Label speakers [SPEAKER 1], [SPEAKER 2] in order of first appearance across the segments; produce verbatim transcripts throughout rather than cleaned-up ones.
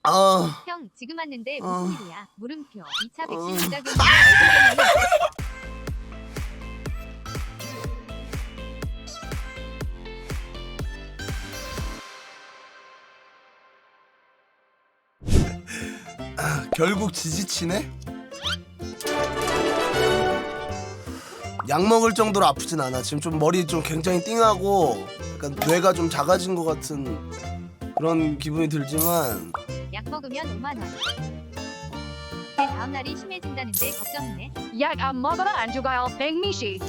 [SPEAKER 1] 아,
[SPEAKER 2] 형 지금 왔는데
[SPEAKER 1] 어.
[SPEAKER 2] 무슨 일이야? 물음표. 이 차 백신
[SPEAKER 1] 어.
[SPEAKER 2] 부작용이 얼굴 때문에
[SPEAKER 1] 결국 지지치네? 약 먹을 정도로 아프진 않아. 지금 좀 머리 좀 굉장히 띵하고 약간 뇌가 좀 작아진 것 같은 그런 기분이 들지만
[SPEAKER 2] 약 먹으면 오만 원. 내 다음 날이 심해진다는데 걱정이네.
[SPEAKER 3] 약 안 먹어도 안 죽어요, 백미씨.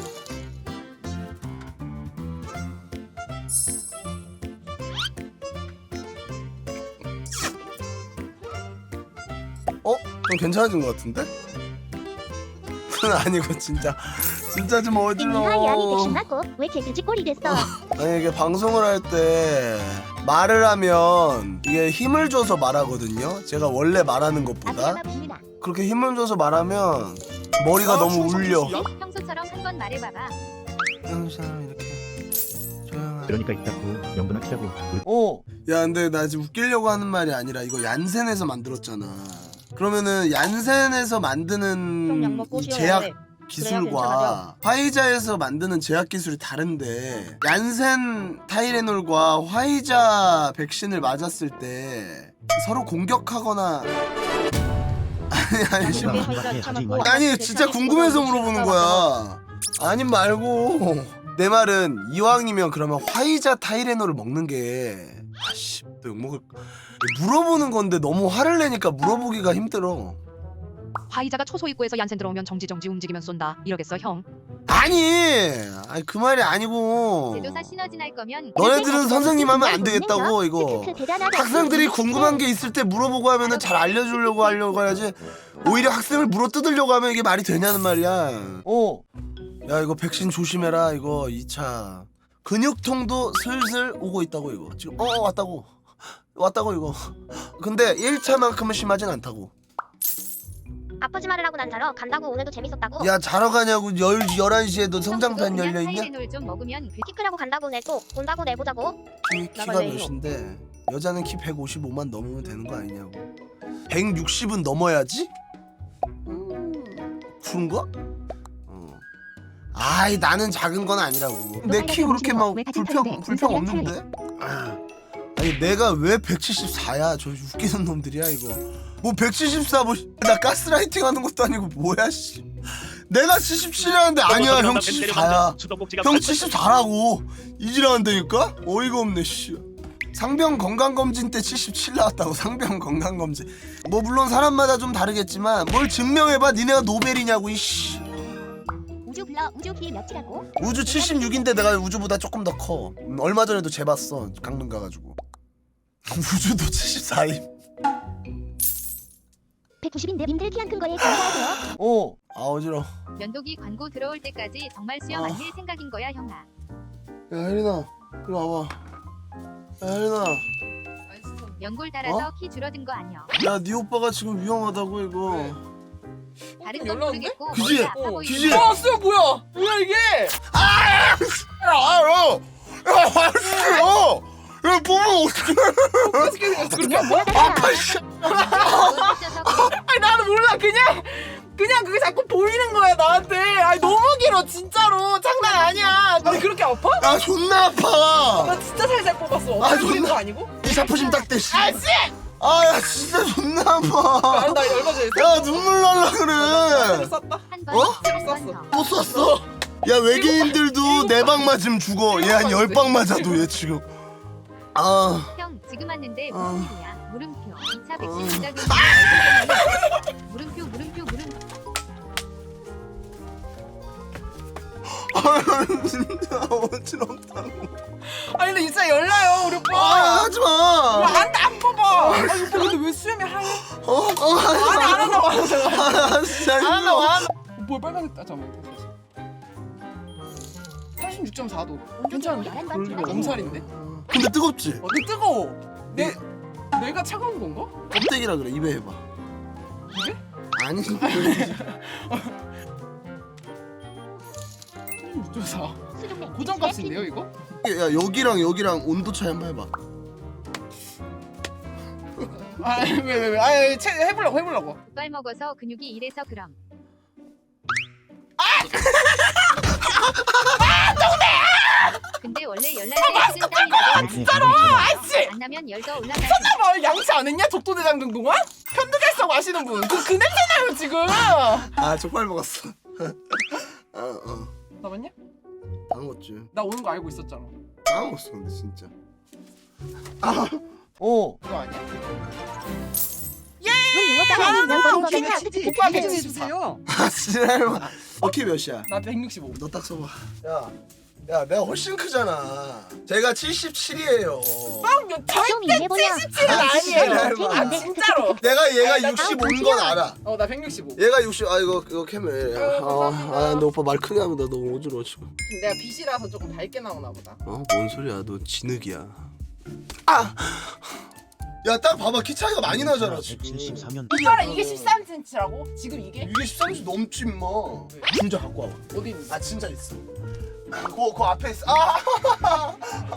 [SPEAKER 1] 어? 좀 괜찮아진 것 같은데? 아니고 진짜 진짜 좀 어지러워.
[SPEAKER 4] 하이안이 백신 맞고 왜 개그지 꼴이 됐어?
[SPEAKER 1] 아니 이게 방송을 할 때 말을 하면 이게 힘을 줘서 말하거든요. 제가 원래 말하는 것보다
[SPEAKER 4] 아프야마 봅니다.
[SPEAKER 1] 그렇게 힘을 줘서 말하면 머리가 너무 울려.
[SPEAKER 2] 평소처럼 한 번 말해봐봐.
[SPEAKER 1] 항상 이렇게 조용한.
[SPEAKER 5] 그러니까 있다고 명분을 키라고.
[SPEAKER 1] 어. 야 근데 나 지금 웃기려고 하는 말이 아니라 이거 얀센에서 만들었잖아. 그러면은 얀센에서 만드는 이 제약 기술과 화이자에서 만드는 제약 기술이 다른데 얀센 타이레놀과 화이자 백신을 맞았을 때 서로 공격하거나 아니 아니 씨, 아니 진짜 궁금해서 물어보는 거야. 아님 말고 내 말은 이왕이면 그러면 화이자 타이레놀을 먹는 게 아씨 또 욕먹을 물어보는 건데 너무 화를 내니까 물어보기가 힘들어.
[SPEAKER 3] 화이자가 초소입구에서 얀센 들어오면 정지정지 움직이면 쏜다. 이러겠어, 형?
[SPEAKER 1] 아니 아니 그 말이 아니고
[SPEAKER 2] 제조사 시너지 날 거면
[SPEAKER 1] 너네들은 선생님 하면 안 되겠다고 이거.
[SPEAKER 4] 크크 대단하다.
[SPEAKER 1] 학생들이 궁금한 게 있을 때 물어보고 하면은 잘 알려주려고 하려고 해야지. 오히려 학생을 물어뜯으려고 하면 이게 말이 되냐는 말이야. 어. 야 이거 백신 조심해라 이거 이 차. 근육통도 슬슬 오고 있다고 이거. 지금 어 어, 왔다고. 왔다고 이거. 근데 일 차만큼은 심하진 않다고.
[SPEAKER 4] 아프지 말으라고 난 자러 간다고. 오늘도 재밌었다고.
[SPEAKER 1] 야 자러 가냐고 열, 열한 시에 너 성장판 열려있냐?
[SPEAKER 2] 타이레놀 좀 먹으면
[SPEAKER 4] 키 크라고 간다고. 내 또 본다고 내보자고.
[SPEAKER 1] 키, 키가 몇인데 여자는 키 백오십오만 넘으면 되는 거 아니냐고. 백육십은 넘어야지? 음, 그런가? 어. 아이 나는 작은 건 아니라고. 내 키 그렇게 막 불평 불평 없는데? 아, 아니 내가 왜 백칠십사야? 저 웃기는 놈들이야 이거. 뭐 백칠십사 뭐 나 가스라이팅 하는 것도 아니고 뭐야 씨. 내가 칠십칠이라는데 아니야 형 칠십사야. 형 칠십사라고 이지라한다니까? 어이가 없네 씨. 상병 건강검진 때 칠십칠 나왔다고. 상병 건강검진 뭐 물론 사람마다 좀 다르겠지만 뭘 증명해봐. 니네가 노벨이냐고 이씨.
[SPEAKER 4] 우주 불러. 우주 키 몇이라고?
[SPEAKER 1] 우주 칠십육인데 내가 우주보다 조금 더 커. 음, 얼마 전에도 재봤어 강릉 가가지고. 우주도 칠십사임.
[SPEAKER 4] 백구십인데 님들 키 안 큰 거에 감사하세요.
[SPEAKER 1] 어. 아 어지러워.
[SPEAKER 2] 면도기 광고 들어올 때까지 정말 수영
[SPEAKER 1] 아.
[SPEAKER 2] 안 할 생각인 거야 형아.
[SPEAKER 1] 야 혜린아 이리 와봐. 야 혜린아
[SPEAKER 2] 연골 달아서
[SPEAKER 1] 어?
[SPEAKER 2] 키 줄어든 거 아니야.
[SPEAKER 1] 야 네 오빠가 지금 위험하다고 이거.
[SPEAKER 2] 다른 건
[SPEAKER 6] 연락인데?
[SPEAKER 2] 모르겠고
[SPEAKER 1] 그지?
[SPEAKER 2] 머리가 아파
[SPEAKER 6] 어,
[SPEAKER 2] 보이는
[SPEAKER 1] 그지?
[SPEAKER 2] 거야.
[SPEAKER 6] 아, 쎄 뭐야? 뭐야 이게?
[SPEAKER 1] 아! 야, 야, 야, 야, 야, 보면 어떡해?
[SPEAKER 6] 어떻게 생겼어? 그렇게 안 보여?
[SPEAKER 1] 아파, 씨.
[SPEAKER 2] 너무 찢어서 그래.
[SPEAKER 6] 아니 나는 몰라. 그냥 그냥 그게 자꾸 보이는 거야 나한테. 아니 너무 길어 진짜로. 장난 아니야. 아니 그렇게 아파?
[SPEAKER 1] 야, 존나 아파.
[SPEAKER 6] 나 진짜 살살 뽑았어.
[SPEAKER 1] 아,
[SPEAKER 6] 아, 보이는
[SPEAKER 1] 존나.
[SPEAKER 6] 거 아니고?
[SPEAKER 1] 이 사포심 딱대, 씨.
[SPEAKER 6] 아 씨!
[SPEAKER 1] 아, 야, 진짜 존나 아파.
[SPEAKER 6] 아니 나 얼마 전에
[SPEAKER 1] 야, 눈물 날라
[SPEAKER 6] 새로
[SPEAKER 1] 그래.
[SPEAKER 6] 쌌다.
[SPEAKER 2] 한 번,
[SPEAKER 1] 어?
[SPEAKER 2] 한 번
[SPEAKER 6] 쐈어.
[SPEAKER 2] 더.
[SPEAKER 1] 또 쐈어? 야, 외계인들도 네 방 맞으면 죽어. 얘 한 열 방 맞아도 얘 지금. 아,
[SPEAKER 2] 형 지금 왔는데 무슨
[SPEAKER 1] 어.
[SPEAKER 2] 일이야? 물음표. 이 차 백신
[SPEAKER 1] 어.
[SPEAKER 2] 부작용이 얼굴 때문에 물음표 물음표 물음표.
[SPEAKER 1] 아, 진짜 어지럽다고.
[SPEAKER 6] 아니 근데 진짜 열나요 우리
[SPEAKER 1] 아,
[SPEAKER 6] 오빠.
[SPEAKER 1] 하지 마.
[SPEAKER 6] 안돼 안 뽑아. 아니 오빠 근데 왜 수염이 하얘?
[SPEAKER 1] 어, 어, 하지
[SPEAKER 6] 아니 안
[SPEAKER 1] 마.
[SPEAKER 6] 한다고 안 한다고.
[SPEAKER 1] 아, 진짜
[SPEAKER 6] 안 한다고
[SPEAKER 1] 힘들어.
[SPEAKER 6] 안 한다고. 뭘 빨간색다 잠깐만. 삼십육 점 사 도. 괜찮은데? 엄살인데?
[SPEAKER 1] 근데 뜨겁지?
[SPEAKER 6] 어, 근데 뜨거워. 내 내가 차가운 건가?
[SPEAKER 1] 껍데기라 그래. 입에 해봐.
[SPEAKER 6] 입에?
[SPEAKER 1] 아니
[SPEAKER 6] 삼십육 점 사. 고정값인데요 이거?
[SPEAKER 1] 야 여기랑 여기랑 온도 차이 한번 해봐.
[SPEAKER 6] 아왜 왜 왜? 아 채 해보려고 해보려고.
[SPEAKER 2] 족발 먹어서 근육이 일에서 그럼. 근데 원래 열날 때 식은 땀이라도
[SPEAKER 6] 진짜로 아씨.
[SPEAKER 2] 안 나면 열도 올라가지.
[SPEAKER 6] 뭐 양치 안 했냐? 족도대장 등동안? 편두갈성 아시는 분. 그, 그 냄새 나요 지금.
[SPEAKER 1] 아 족발 먹었어. 아 어.
[SPEAKER 6] 나 맞냐?
[SPEAKER 1] 다 먹었지.
[SPEAKER 6] 나 오는 거 알고 있었잖아.
[SPEAKER 1] 다 먹었어 근데 진짜. 아. 어.
[SPEAKER 6] 그거 아니야?
[SPEAKER 5] 오빠 백십사요.
[SPEAKER 1] 아 지랄마. 어키 몇이야?
[SPEAKER 6] 나 백육십오.
[SPEAKER 1] 너 딱 써봐. 야. 야 내가 훨씬 크잖아. 제가 칠십칠이에요.
[SPEAKER 6] 빵 절대 칠십칠은 아니에요. 아 진짜로.
[SPEAKER 1] 내가 얘가
[SPEAKER 4] 아, 나
[SPEAKER 1] 육십오인 건 알아.
[SPEAKER 6] 어 나 백육십오.
[SPEAKER 1] 얘가 육십. 아 이거 이거 캠을.
[SPEAKER 6] 아유, 감사합니다.
[SPEAKER 1] 아너 오빠 말 크게 하면 나 너무 어지러워 지금.
[SPEAKER 6] 내가 빛이라서 조금 밝게 나오나 보다.
[SPEAKER 1] 어? 뭔 소리야? 너 진흙이야. 아! 야 딱 봐봐 키 차이가 많이 나잖아 지금.
[SPEAKER 7] 백칠십삼 년
[SPEAKER 6] 이거랑 이게 십삼 센티미터라고? 지금 이게?
[SPEAKER 1] 이게 십삼 센티미터 넘지 임마. 진짜 갖고 와봐.
[SPEAKER 6] 어디 있는?
[SPEAKER 1] 아 진짜 있어. 그, 그 앞에 있어. 아!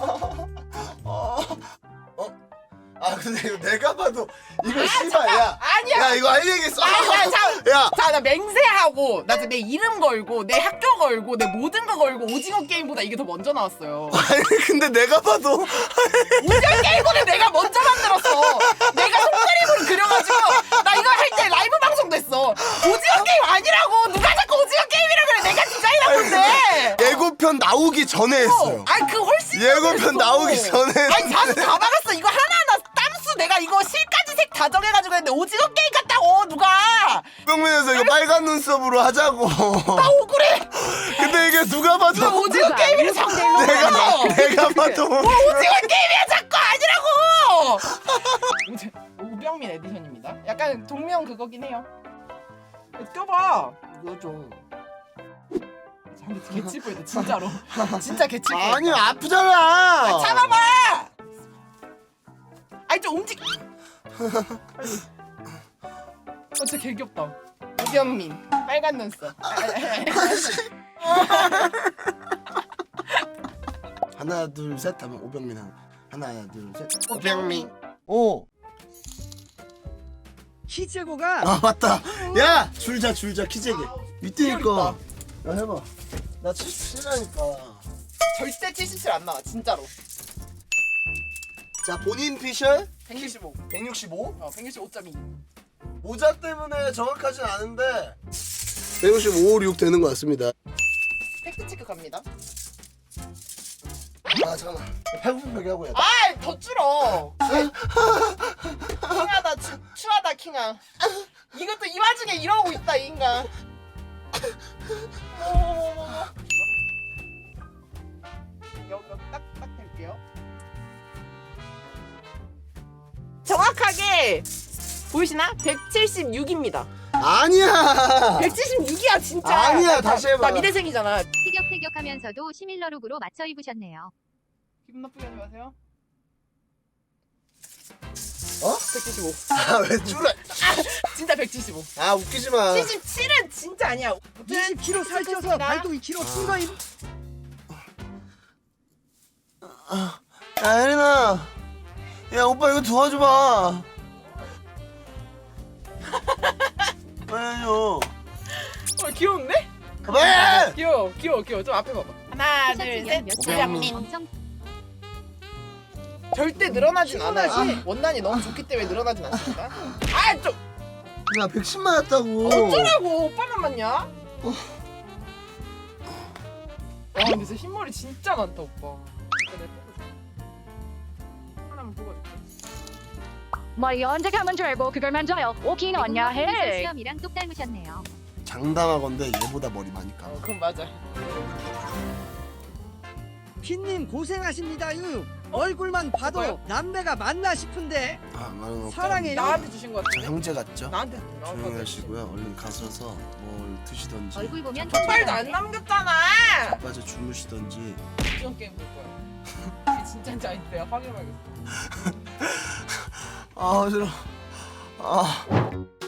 [SPEAKER 1] 어? 어? 아 근데 이거 내가 봐도 이거 씨발 야.
[SPEAKER 6] 아니야.
[SPEAKER 1] 야 이거 할 얘기 있어.
[SPEAKER 6] 아니야, 자,
[SPEAKER 1] 야.
[SPEAKER 6] 자, 나 맹세하고 나 내 이름 걸고 내 학교 걸고 내 모든 거 걸고 오징어 게임보다 이게 더 먼저 나왔어요.
[SPEAKER 1] 아니 근데 내가 봐도
[SPEAKER 6] 오징어 게임보다 내가 먼저 만들었어. 내가 손그림으로 그려가지고 나 이거 할 때 라이브 방송도 했어. 오징어 게임 아니라고 누가 자꾸 오징어 게임이라 그래. 내가 디자인한 건데.
[SPEAKER 1] 예고편 나오기 전에 했어요.
[SPEAKER 6] 아니 그 훨씬
[SPEAKER 1] 예고편
[SPEAKER 6] 했어.
[SPEAKER 1] 나오기 전에
[SPEAKER 6] 아니 자수 다 박았어. 이거 하나하나 땀수 내가 이거 실까지 색 다 정해가지고 했는데 오징어 게임 같다고 누가.
[SPEAKER 1] 병면에서 이거 빨간 눈썹으로 하자고.
[SPEAKER 6] 나 억울해.
[SPEAKER 1] 근데 이게 누가 봐도
[SPEAKER 6] 나 오징어 게임이라 자꾸
[SPEAKER 1] 내가 내가 봐도
[SPEAKER 6] 뭐 오징어 게임이야 자꾸 아니라고. 오제 오병민 에디션입니다. 약간 동명 그거긴 해요. 껴봐.
[SPEAKER 1] 이거 좀
[SPEAKER 6] 잠깐 개치보이다 진짜로. 진짜 개치보.
[SPEAKER 1] 아니 아프잖아.
[SPEAKER 6] 참아봐. 아니 좀 움직. 어 진짜 개 귀엽다. 오병민 빨간 눈썹.
[SPEAKER 1] 하나 둘 셋 하면 오병민 하나. 하나 둘 셋.
[SPEAKER 6] 오병민.
[SPEAKER 1] 오.
[SPEAKER 5] 키제고가
[SPEAKER 1] 아 맞다. 야 줄자 줄자 키재기. 이때니까. 야 해봐. 나 칠십칠이라니까.
[SPEAKER 6] 절대 칠십칠 안 나와 진짜로.
[SPEAKER 1] 자 본인 피셜
[SPEAKER 6] 백육십오.
[SPEAKER 1] 백육십오.
[SPEAKER 6] 어 백육십오 점 이.
[SPEAKER 1] 모자 때문에 정확하진 않은데 백육십오, 육 되는 것 같습니다.
[SPEAKER 6] 팩트 체크 갑니다.
[SPEAKER 1] 아 잠깐만. 팔굽혀펴기 하고 해야 돼.
[SPEAKER 6] 아더 줄어. 킹하다 추, 추하다 킹아. 이것도 이 와중에 이러고 있다 이 인간. 어머머머머. 여기 딱딱 될게요. 정확하게 보이시나? 백칠십육입니다.
[SPEAKER 1] 아니야.
[SPEAKER 6] 백칠십육이야 진짜.
[SPEAKER 1] 아니야,
[SPEAKER 6] 나,
[SPEAKER 1] 다시 해봐.
[SPEAKER 6] 나 미대생이잖아.
[SPEAKER 2] 티격태격하면서도 시밀러룩으로 맞춰 입으셨네요.
[SPEAKER 6] 기분 나쁘게 하지 마세요.
[SPEAKER 1] 어?
[SPEAKER 6] 백칠십오.
[SPEAKER 1] 아왜 줄어?
[SPEAKER 6] 진짜 백칠십오.
[SPEAKER 1] 아 웃기지 마.
[SPEAKER 6] 칠십칠은 진짜 아니야.
[SPEAKER 5] 이십 킬로그램 살쪄서 발도 이 킬로그램 큰 거임.
[SPEAKER 1] 야 혜린아. 야 오빠 이거 도와줘봐. 빨리 해줘.
[SPEAKER 6] 어 귀여운데?
[SPEAKER 1] 왜?
[SPEAKER 6] 귀여워 귀여워 귀여워. 좀 앞에 봐봐. 하나 둘셋 오병민.
[SPEAKER 2] 엄청
[SPEAKER 6] 절대 늘어나진 않아요.
[SPEAKER 5] 피곤하지?
[SPEAKER 6] 원단이 너무 좋기 때문에 늘어나진 않습니다. 아 좀
[SPEAKER 1] 야 백십 맞았다고.
[SPEAKER 6] 어쩌라고 오빠만 맞냐? 와 근데 진짜 흰머리 진짜 많다 오빠. 이거 내가 뽑아줄게. 하나만 뽑아줄게.
[SPEAKER 3] 머리 언제 가면 줄 알고 그걸 만져요. 오긴 언냐 해.
[SPEAKER 2] 수염이랑 똑 닮으셨네요.
[SPEAKER 1] 장담하건데 얘보다 머리 많이 까.
[SPEAKER 6] 어 그럼 맞아.
[SPEAKER 5] 핀님 고생하십니다유. 얼굴만 봐도
[SPEAKER 6] 뭐요?
[SPEAKER 5] 남매가 맞나 싶은데
[SPEAKER 1] 아 말은 없고.
[SPEAKER 5] 사랑해요.
[SPEAKER 6] 나한테 주신 거
[SPEAKER 1] 저
[SPEAKER 6] 같은데?
[SPEAKER 1] 형제 같죠?
[SPEAKER 6] 나한테
[SPEAKER 1] 조용히 하시고요. 얼른 가셔서 뭘 드시던지.
[SPEAKER 2] 얼굴 보면
[SPEAKER 6] 빨도 안 남겼잖아.
[SPEAKER 1] 빠져 주무시던지.
[SPEAKER 6] 오징어 게임 볼 거야. 이게 진짜인지 아닌지 내가 확인해봐야겠어.
[SPEAKER 1] 아 싫어. 아.